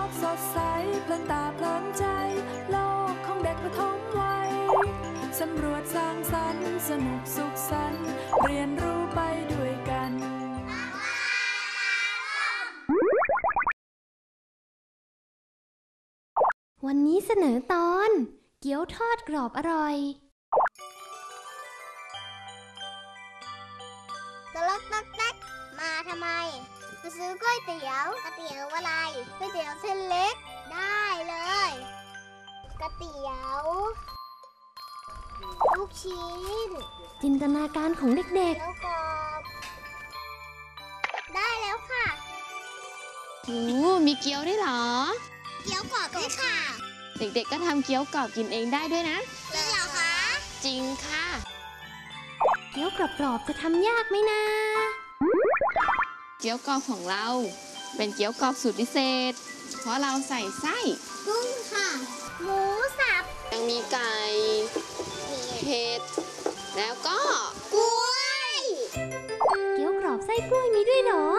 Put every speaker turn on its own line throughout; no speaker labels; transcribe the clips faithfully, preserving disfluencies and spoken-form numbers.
กสดใสเพลินตาเพลินใจโลกของเด็กประถมวัยสำรวจสร้างสรรค์สนุกสุขสันต์เรียนรู้ไปด้วยกัน
วันนี้เสนอตอนเกี๊ยวทอดกรอบอร่อย
ตะลักตักแตกมาทำไมมาซื้อก๋วยเตี๋ยวก๋วยเตี๋ยวอะไรก๋วยเตี๋ยวเส้นเล็กได้เลยก๋วยเตี๋ยวลูกชิ้น
จินตนาการของเด็กๆ
แล้วกรอบได้แล้วค่ะ
โอ้มีเกี๊ยวด้วยเหรอ
เกี๊ยวกรอบด้วยค่ะ
เด็กๆก็ทำเกี๊ยวกรอบกินเองได้ด้วยนะ
จริงเหรอคะ
จริงค่ะ
เกี๊ยวกรอบๆจะทำยากไหมนะ
เกี๊ยวกรอบของเราเป็นเกี๊ยวกรอบสูตรพิเศษเพราะเราใส่ไส้
กุ้งค่ะหมูสับ
ยังมีไก่เห็ดแล้วก็
กล้วย
เกี๊ยวกรอบไส้กล้วยมีด้วยเหรอ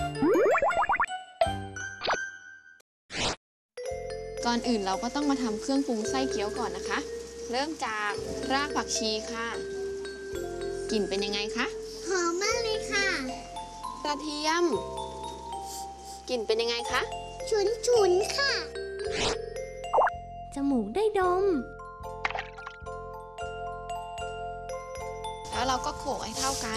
ก่อนอื่นเราก็ต้องมาทำเครื่องปรุงไส้เกี๊ยวก่อนนะคะเริ่มจากรากผักชีค่ะกลิ่นเป็นยังไงคะ
หอมมากเลยค่ะ
กระเทียมกลิ่นเป็นยังไงคะ
ฉุนฉุนค่ะ
จมูกได้ดม
แล้วเราก็โขลกให้เข้ากัน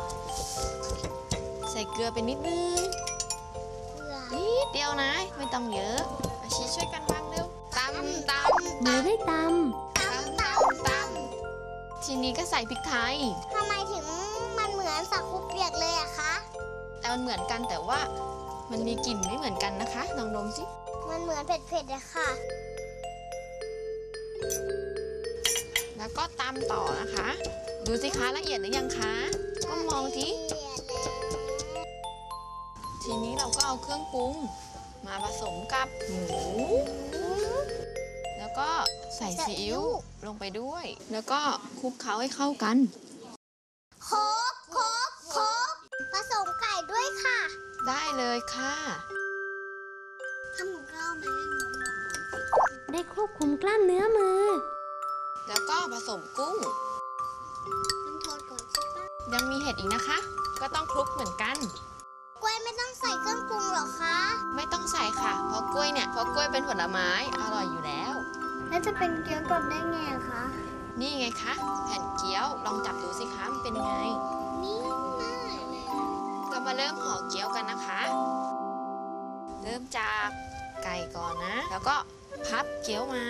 ใส่เกลือไปนิดนึงนิดเดียวนะไม่ต้องเยอะอาชีช่วยกันบ้างเร็วตำตำ
มือได้ต
ำตำตำต
ำทีนี้ก็ใส่พริกไทย
ทำไมถึงมันเหมือนสักคุปเปียกเลยอะคะ
แต่มันเหมือนกันแต่ว่ามันมีกลิ่นไม่เหมือนกันนะคะลองดมสิ
มันเหมือนเผ็ดๆเลยค่ะ
แล้วก็ตำต่อนะคะดูสิคะละเอียดหรือยังคะก็มองทีทีนี้เราก็เอาเครื่องปรุงมาผสมกับหมูแล้วก็ใส่ซีอิ๊วลงไปด้วยแล้วก็คลุกเคล้าให้เข้ากัน
โคกโคกโคกผสมไก่ด้วยค่ะ
ได้เลยค่ะ
ทำหมูกรอบไหม
ได้ควบคุมกล้ามเนื้อมือ
แล้วก็ผสมกุ้ง
ต้องทอดก่อนใช่ปะ
ยังมีเห็ดอีกนะคะก็ต้องคลุกเหมือนกัน
กล้วยไม่ต้องใส่เครื่องปรุงหรอคะ
ไม่ต้องใส่ค่ะเพราะกล้วยเนี่ยเพราะกล้วยเป็นผลไม้อร่อยอยู่แล้ว
แล้วจะเป็นเกี๊ยวกรอบได้ไงคะ
นี่ไงคะแผ่นเกี๊ยวลองจับดูสิคะมันเป็นยังไง
นิ่มมากเลย
ก็มาเริ่มห่อเกี๊ยวกันนะคะเริ่มจากไก่ก่อนนะแล้วก็พับเกี๊ยวมา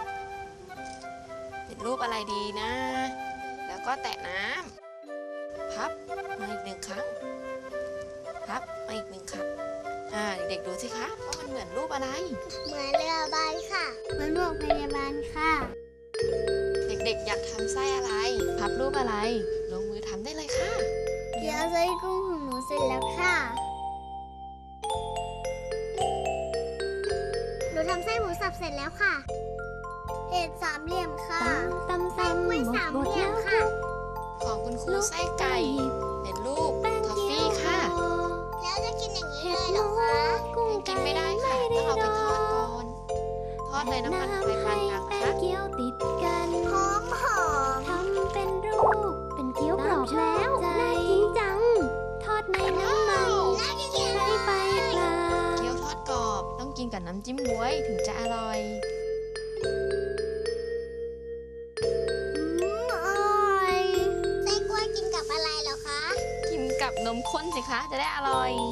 เป็นรูปอะไรดีนะแล้วก็แตะน้ำพับมาอีกหนึ่งครั้งพับมาอีกหนึ่งครั้งอ่าเด็กๆดูสิคะว่ามันเหมือนรูปอะไร
เหมือนเรือใบค่ะเหมือนโรงพยาบาลค่ะ
เด็กๆอยากทำไส้อะไรพับรูปอะไรลงมือทำได้เลยค่ะ
เกี๊ยวไส้กุ้งของหนูเสร็จแล้วค่ะหนูทำไส้หมูสับเสร็จแล้วค่ะเห็ดสามเหลี่ยมค่ะ
ตำตำ
กล้วยสามเหลี่ยมค่ะ
ของคุณครูไส้ไก่เป็นรูปทอฟฟี่ค่ะ
แล้วจะกินอย่างนี้เลยเหรอคะ
กินไม่ได้ค่ะต้องเอาไปทอดก่อนทอดในน้ำมันไฟปานกลางนะคะ
เกี๊ยวติดกัน
หอมหอม
ทำเป็นรูปเป็นเกี๊ยวกรอบแล้วน่ากินจังทอดในน้ำมันใช้ไฟกลาง
เกี๊ยวทอดกรอบต้องกินกับน้ำจิ้มบ๊วยถึงจะอร่อยกับนมข้นสิคะจะได้อร่อย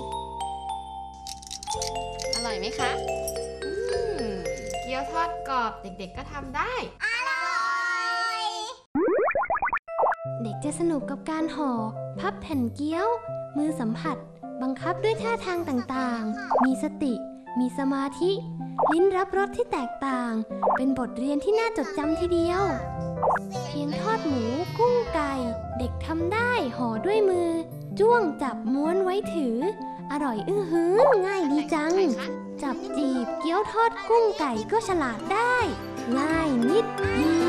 อร่อยไหมคะอืมเกี๊ยวทอดกรอบเด็กๆก็ทำได้
อร่อย
เด็กจะสนุกกับการห่อพับแผ่นเกี๊ยวมือสัมผัสบังคับด้วยท่าทางต่างๆมีสติมีสมาธิลิ้นรับรสที่แตกต่างเป็นบทเรียนที่น่าจดจำทีเดียวเพียงทอดหมูกุ้งไก่เด็กทำได้ห่อด้วยมือจ้วงจับม้วนไว้ถืออร่อยอื้อหือง่ายดีจังจับจีบเกี๊ยวทอดกุ้งไก่ก็ฉลาดได้ง่ายนิดเดี